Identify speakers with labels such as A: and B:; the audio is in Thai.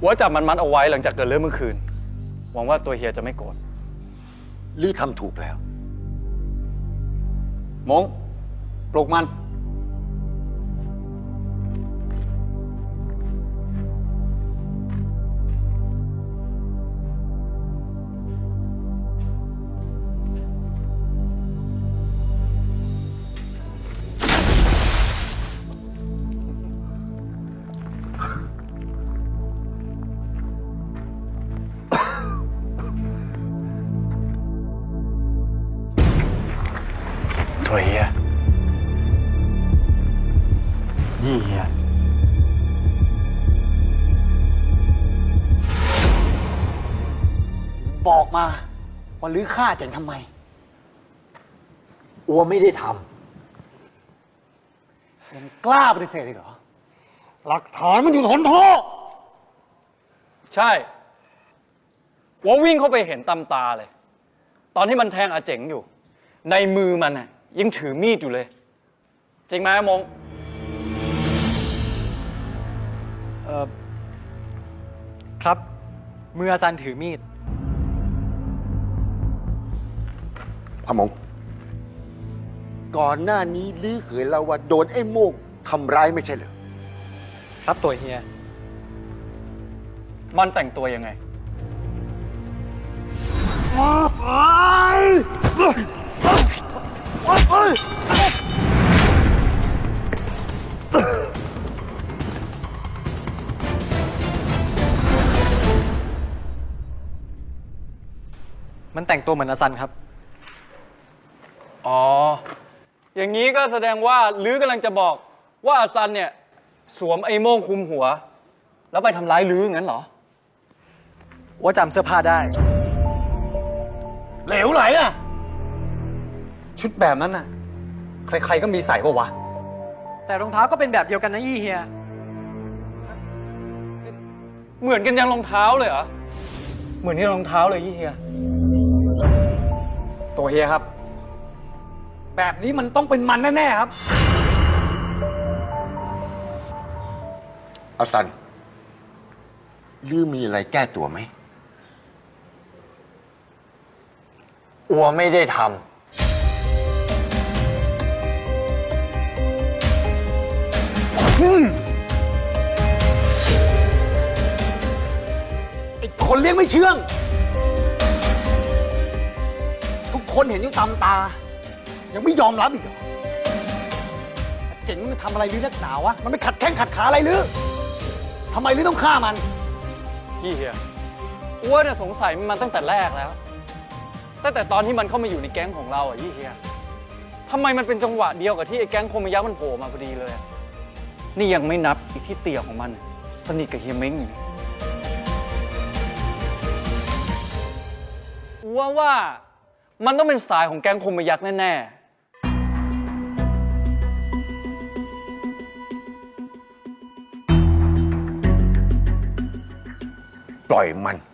A: อัวจับมันมัดเอาไว้หลังจากเกิดเรื่องเมื่อคืนหวังว่าตัวเฮียจะไม่โกรธ
B: ลือทำถูกแล้ว
C: มงปลุกมัน
A: ตัวเฮียนี่เฮีย
C: บอกมาว่าลื้อฆ่าเจ๋งทำไม
B: อัวไม่ได้ท
C: ยังกล้าปฏิเสธอีกเหรอหลักฐานมันอยู่ทนโทษ
A: ใช่อัววิ่งเข้าไปเห็นตามตาเลยตอนที่มันแทงอาเจ๋งอยู่ในมือมันน่ะยังถือมีดอยู่เลยจริงไหมมง
D: ครับมืออาซันถือมีด
B: ำพะมงก่อนหน้านี้ลือเขยเราว่าโดนไอ้โมกทำร้ายไม่ใช่เหรอ
D: ครับตัวเฮีย
A: มันแต่งตัวยังไง
D: มันแต่งตัวเหมือนอาซันครับ
A: อ๋ออย่างนี้ก็แสดงว่าลื้อกำลังจะบอกว่าอาซันเนี่ยสวมไอ้โม่งคลุมหัวแล้วไปทำร้ายลื้องั้นเหรอ
D: ว่าจำเสื้อผ้าได้
C: เหลวไหลน่ะชุดแบบนั้นน่ะใครๆก็มีใส่ปะวะ
D: แต่รองเท้าก็เป็นแบบเดียวกันนะยี่เฮีย
A: เหมือนกันยังรองเท้าเลยเหรอเหมือนที่รองเท้าเลยยี่เฮีย
C: ตัวเฮียครับแบบนี้มันต้องเป็นมันแน่ๆครับ
B: อาซันลือมีอะไรแก้ตัวไหม
E: อัวไม่ได้ทำ
C: ไอ้คนเลี้ยงไม่เชื่องทุกคนเห็นอยู่ตามตายังไม่ยอมรับอีกเหรอเจ๋งมันทำอะไรลือนักหนาวะมันไม่ขัดแข้งขัดขาอะไรลือทำไมลือต้องฆ่ามัน
A: พี่เฮียอ้วนเนี่ยสงสัยมันตั้งแต่แรกแล้วตั้งแต่ตอนที่มันเข้ามาอยู่ในแก๊งของเราอ่ะยี่เฮียทำไมมันเป็นจังหวะเดียวกับที่ไอ้แก๊งโคมยักษ์มันโผล่มาพอดีเลยนี่ยังไม่นับอีกที่เตี่ยของมันสนิทกับเฮียเม้งอยู่ว่ามันต้องเป็นสายของแก๊งโคมยักษ์แน่
B: ปล่อยมัน